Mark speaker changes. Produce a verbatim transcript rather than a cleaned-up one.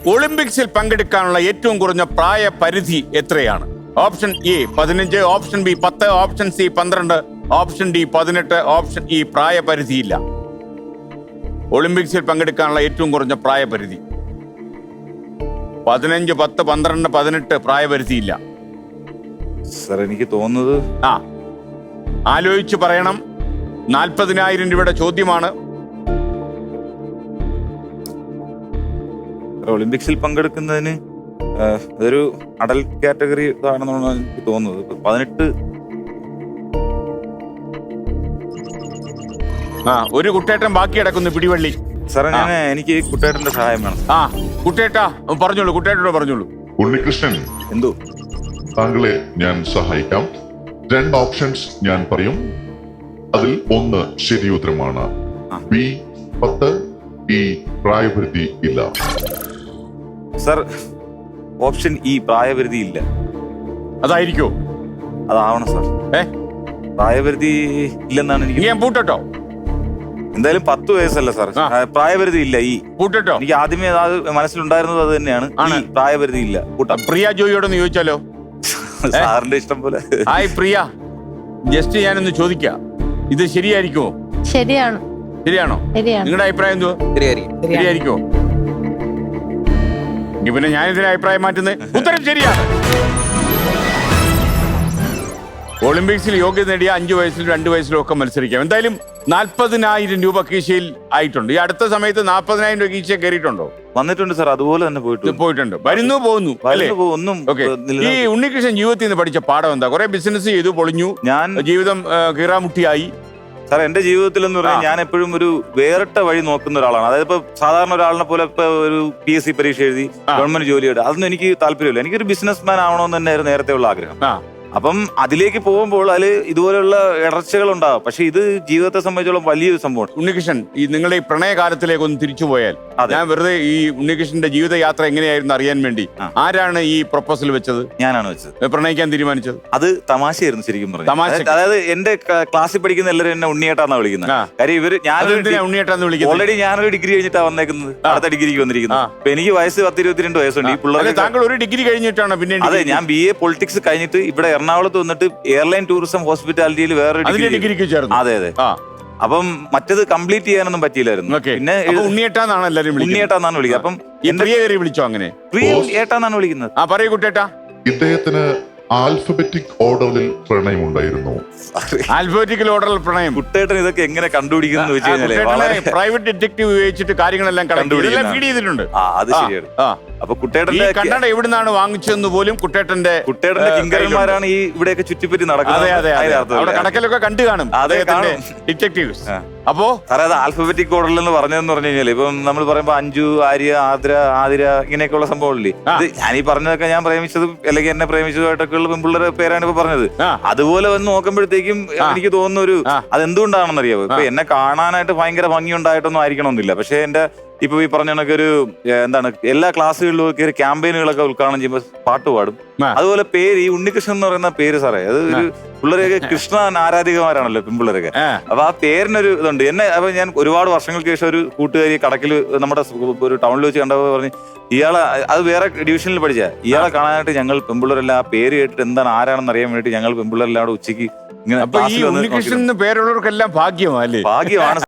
Speaker 1: ഒളിമ്പിക്സിൽ പങ്കെടുക്കാനുള്ള ഏറ്റവും കുറഞ്ഞ പ്രായ പരിധി എത്രയാണ്? ഓപ്ഷൻ എ പതിനഞ്ച്, ഓപ്ഷൻ ബി പത്ത്, ഓപ്ഷൻ സി പന്ത്രണ്ട്, ഓപ്ഷൻ ഡി പതിനെട്ട്, ഓപ്ഷൻ ഇ പ്രായപരിധിയില്ല. ഒളിമ്പിക്സിൽ പങ്കെടുക്കാനുള്ള ഏറ്റവും കുറഞ്ഞ പ്രായപരിധി പതിനഞ്ച്, പത്ത്, പന്ത്രണ്ട്, പതിനെട്ട്, പ്രായപരിധിയില്ല.
Speaker 2: സാർ എനിക്ക് തോന്നുന്നത്
Speaker 1: ആ ആലോചിച്ച് പറയണം. നാൽപ്പതിനായിരം രൂപയുടെ ചോദ്യമാണ്.
Speaker 2: ഒളിമ്പിക്സിൽ പങ്കെടുക്കുന്നതിന് അതൊരു അഡൽട്ട് കാറ്റഗറി ആണെന്നാണ് എനിക്ക് തോന്നുന്നത്. പതിനെട്ട്.
Speaker 1: ആ ഒരു കുട്ടേട്ടൻ ബാക്കി കിടക്കുന്നു പിടിവള്ളി.
Speaker 2: സാറേ ഞാൻ എനിക്ക് കുട്ടേട്ടന്റെ സഹായം വേണം.
Speaker 1: ആ കുട്ടേട്ടാ പറഞ്ഞോളൂ, കുട്ടേട്ടനോട് പറഞ്ഞോളൂ.
Speaker 3: ഉണ്ണികൃഷ്ണൻ,
Speaker 2: എന്തോ
Speaker 3: താങ്കളെ ഞാൻ സഹായിക്കാം. രണ്ട് ഓപ്ഷൻസ് ഞാൻ പറയും. അതിൽ ഒന്ന് ശരി ഉത്തരമാണ്. ബി പത്ത്, ഈ പ്രായപരിധി ഇല്ല.
Speaker 2: സാർ ഓപ്ഷൻ ഇ പ്രായപരിധി ഇല്ല.
Speaker 1: അതായിരിക്കോ?
Speaker 2: അതാവണം സാർ.
Speaker 1: ഏ
Speaker 2: പ്രായപരിധി ഇല്ലെന്നാണ് എനിക്ക്.
Speaker 1: ഞാൻ പൂട്ടട്ടോ?
Speaker 2: എന്തായാലും പത്ത് വയസ്സല്ല സാർ, പ്രായപരിധി ഇല്ല. ഈ
Speaker 1: പൂട്ടട്ടോ?
Speaker 2: എനിക്ക് ആദ്യമേ അത് മനസ്സിലുണ്ടായിരുന്നത് അത് തന്നെയാണ്. ഈ പ്രായപരിധി ഇല്ല. കൂട്ടാം.
Speaker 1: പ്രിയ ജോയിയോടൊന്ന് ചോദിച്ചാലോ?
Speaker 2: സാറിന്റെ ഇഷ്ടം പോലെ.
Speaker 1: ഹായ് പ്രിയ, ജസ്റ്റ് ഞാനൊന്ന് ചോദിക്കാം, ഇത് ശരിയായിരിക്കുമോ?
Speaker 4: ശരിയാണ്.
Speaker 1: ശരിയാണോ?
Speaker 4: ശരിയാണ്.
Speaker 1: നിങ്ങളുടെ അഭിപ്രായം എന്തുവാ? ശരിയായിരിക്കോ? എങ്കിൽ പിന്നെ ഞാനിതിന് അഭിപ്രായം മാറ്റുന്നത്. ഉത്തരം ശരിയാണ്. ഒളിമ്പിക്സിൽ യോഗ്യത നേടിയ അഞ്ചു വയസ്സിലും രണ്ടു വയസ്സിലും ഒക്കെ മത്സരിക്കാം. എന്തായാലും നാൽപ്പതിനായിരം രൂപ കീശയിൽ ആയിട്ടുണ്ട്. ഈ അടുത്ത സമയത്ത് നാൽപ്പതിനായിരം രൂപ കീശ കയറിയിട്ടുണ്ടോ?
Speaker 2: വന്നിട്ടുണ്ട് സാർ, അതുപോലെ തന്നെ പോയിട്ടുണ്ട്.
Speaker 1: പോയിട്ടുണ്ട്, വരുന്നു, പോകുന്നു അല്ലേ?
Speaker 2: ഒന്നും
Speaker 1: ഓക്കെ. ഈ ഉണ്ണികൃഷ്ണൻ ജീവിതത്തിൽ നിന്ന് പഠിച്ച പാഠം എന്താ? കുറെ ബിസിനസ് ചെയ്തു, പൊളിഞ്ഞു,
Speaker 2: ഞാൻ
Speaker 1: ജീവിതം കീറാമുട്ടിയായി.
Speaker 2: സാർ എന്റെ ജീവിതത്തിൽ എന്ന് പറഞ്ഞാൽ ഞാൻ എപ്പോഴും ഒരു വേറിട്ട വഴി നോക്കുന്ന ഒരാളാണ്. അതായത് ഇപ്പൊ സാധാരണ ഒരാളിനെ പോലെ ഇപ്പൊ ഒരു പി എസ് സി പരീക്ഷ എഴുതി ഗവൺമെന്റ് ജോലിയുടെ അതൊന്നും എനിക്ക് താല്പര്യമില്ല. എനിക്കൊരു ബിസിനസ് മാൻ ആവണമെന്ന് തന്നെയായിരുന്നു നേരത്തെ ഉള്ള ആഗ്രഹം. അപ്പം അതിലേക്ക് പോകുമ്പോൾ അതിൽ ഇതുപോലെയുള്ള ഇടർച്ചകൾ ഉണ്ടാകും. പക്ഷെ ഇത് ജീവിതത്തെ സംബന്ധിച്ചോളം വലിയൊരു സംഭവമാണ്.
Speaker 1: ഉണ്ണികൃഷ്ണൻ, ഈ നിങ്ങളുടെ ഈ പ്രണയകാലത്തിലേക്ക് ഒന്ന് തിരിച്ചു പോയാൽ, ഞാൻ വെറുതെ ഈ ഉണ്ണികൃഷ്ണന്റെ ജീവിതയാത്ര എങ്ങനെയായിരുന്നു അറിയാൻ വേണ്ടി, ആരാണ് ഈ പ്രൊപ്പോസൽ വെച്ചത്?
Speaker 2: ഞാനാണ് വെച്ചത്.
Speaker 1: പ്രണയിക്കാൻ തീരുമാനിച്ചത്?
Speaker 2: അത് തമാശയായിരുന്നു ശരിക്കും
Speaker 1: തമാശ.
Speaker 2: പറഞ്ഞു. അതായത് എന്റെ ക്ലാസ്സിൽ പഠിക്കുന്ന എല്ലാവരും എന്നെ ഉണ്ണിയേട്ടാന്നാ വിളിക്കുന്നത്. കാര്യം ഇവര് ഞാൻ
Speaker 1: ഉണ്ണിയേട്ടാന്ന് വിളിക്കുന്നത്.
Speaker 2: ഓൾറെഡി ഞാനൊരു ഡിഗ്രി കഴിഞ്ഞിട്ടാണ് വന്നേക്കുന്നത്, അടുത്ത ഡിഗ്രിക്ക് വന്നിരിക്കുന്നത്. അപ്പൊ എനിക്ക് വയസ്സ് പത്ത് ഇരുപത്തിരണ്ട് വയസ്സുണ്ട്. ഈ പിള്ളേർ
Speaker 1: താങ്കൾ ഒരു ഡിഗ്രി കഴിഞ്ഞിട്ടാണ് പിന്നെ?
Speaker 2: അതെ, ഞാൻ ബി എ പൊളിറ്റിക്സ് കഴിഞ്ഞിട്ട് ഇവിടെ എറണാകുളത്ത് വന്നിട്ട് എയർലൈൻ ടൂറിസം ഹോസ്പിറ്റാലിറ്റിയിൽ വേറെ
Speaker 1: ഡിഗ്രിക്ക് ചേർന്നു.
Speaker 2: അതെ അതെ. അപ്പം മറ്റത് കംപ്ലീറ്റ് ചെയ്യാനൊന്നും പറ്റിയില്ലായിരുന്നു. പിന്നെ
Speaker 1: ഉണ്ണിയേട്ടാന്നാണ് എല്ലാവരും
Speaker 2: ഉണ്ണിയേട്ടാന്നാണ് വിളിക്കുക. അപ്പം
Speaker 1: പ്രിയ വിളിച്ചോ? അങ്ങനെ
Speaker 2: പ്രിയ ഏട്ടാന്നാണ് വിളിക്കുന്നത്.
Speaker 1: ആ പറയൂ കുട്ടേട്ടാ.
Speaker 3: ഇദ്ദേഹത്തിന് ആൽഫബറ്റിക് ഓർഡറിൽ പ്രണയമുണ്ടായിരുന്നു.
Speaker 1: ആൽഫബറ്റിക്കൽ ഓർഡറിൽ പ്രണയം?
Speaker 2: കുട്ടേട്ടൻ ഇതൊക്കെ എങ്ങനെ കണ്ടുപിടിക്കുന്നു വെച്ച് കഴിഞ്ഞാൽ
Speaker 1: പ്രൈവറ്റ് ഡിറ്റക്റ്റീവ് ഉപയോഗിച്ചിട്ട് കാര്യങ്ങളെല്ലാം കണ്ടുപിടിക്കും, ഫീഡ് ചെയ്തിട്ടുണ്ട്.
Speaker 2: അത് ശരിയാണ്. അപ്പൊ കുട്ടേട്ടന്റെ
Speaker 1: കണ്ണട എവിടുന്നാണ് വാങ്ങിച്ചതെന്ന് പോലും കുട്ടേട്ടന്റെ
Speaker 2: കുട്ടേട്ടന്റെ കിങ്കരന്മാരാണ് ഈ ഇവിടെയൊക്കെ ചുറ്റിപ്പറ്റി നടക്കുന്നത്.
Speaker 1: അതെ അതെ, അവിടെ കടക്കലൊക്കെ കണ്ടു കാണും അദ്ദേഹത്തിന്റെ ഡിറ്റക്റ്റീവ്സ്. അപ്പോ
Speaker 2: സാറേ അത് ആൽഫബറ്റിക് ഓർഡറിൽ എന്ന് പറഞ്ഞതെന്ന് പറഞ്ഞു കഴിഞ്ഞാൽ ഇപ്പം നമ്മൾ പറയുമ്പോ അഞ്ജു, ആര്യ, ആദ്ര, ആതിര ഇങ്ങനെയൊക്കെയുള്ള സംഭവമില്ലേ, ഇത് ഞാനീ പറഞ്ഞതൊക്കെ ഞാൻ പ്രേമിച്ചതും അല്ലെങ്കിൽ എന്നെ പ്രേമിച്ചതുമായിട്ടൊക്കെ ഉള്ള പെൺപിള്ളേരുടെ പേരാണ് ഇപ്പൊ പറഞ്ഞത്. അതുപോലെ വന്ന് നോക്കുമ്പോഴത്തേക്കും എനിക്ക് തോന്നുന്ന ഒരു അതെന്തുകൊണ്ടാണെന്ന് അറിയാമോ? ഇപ്പൊ എന്നെ കാണാനായിട്ട് ഭയങ്കര ഭംഗി ഉണ്ടായിട്ടൊന്നും ആയിരിക്കണമെന്നില്ല. പക്ഷെ എന്റെ ഇപ്പൊ ഈ പറഞ്ഞ കണക്ക് ഒരു എന്താണ് എല്ലാ ക്ലാസ്സുകളിലും കയറി ക്യാമ്പയിനുകളൊക്കെ ഉദ്ഘാടനം ചെയ്യുമ്പോൾ പാട്ട് പാടും. അതുപോലെ പേര് ഈ ഉണ്ണികൃഷ്ണൻ എന്ന് പറയുന്ന പേര് സാറേ, അത് ഒരു പിള്ളേരൊക്കെ കൃഷ്ണ ആരാധികമാരാണല്ലോ പെൺപിള്ളേരൊക്കെ. അപ്പൊ ആ പേരിനൊരു ഇതുണ്ട്. എന്നെ അപ്പൊ ഞാൻ ഒരുപാട് വർഷങ്ങൾക്ക് ശേഷം ഒരു കൂട്ടുകാരി കടക്കിൽ നമ്മുടെ ഒരു ടൗണിൽ വെച്ച് കണ്ടപ്പോൾ പറഞ്ഞ്, ഇയാളെ അത് വേറെ ഡിവിഷനിൽ പഠിച്ച ഇയാളെ കാണാനായിട്ട് ഞങ്ങൾ പെൺപിള്ളേരെല്ലാം ആ പേര് കേട്ടിട്ട് എന്താണ് ആരാണെന്ന് അറിയാൻ വേണ്ടിയിട്ട് ഞങ്ങൾ പെൺപിള്ളേരെല്ലാം അവിടെ ഉച്ചയ്ക്ക് ഇങ്ങനെ
Speaker 1: ഉണ്ണികൃഷ്ണൻ പേരുള്ളവർക്കെല്ലാം ഭാഗ്യമാണ്.
Speaker 2: ഭാഗ്യമാണ്.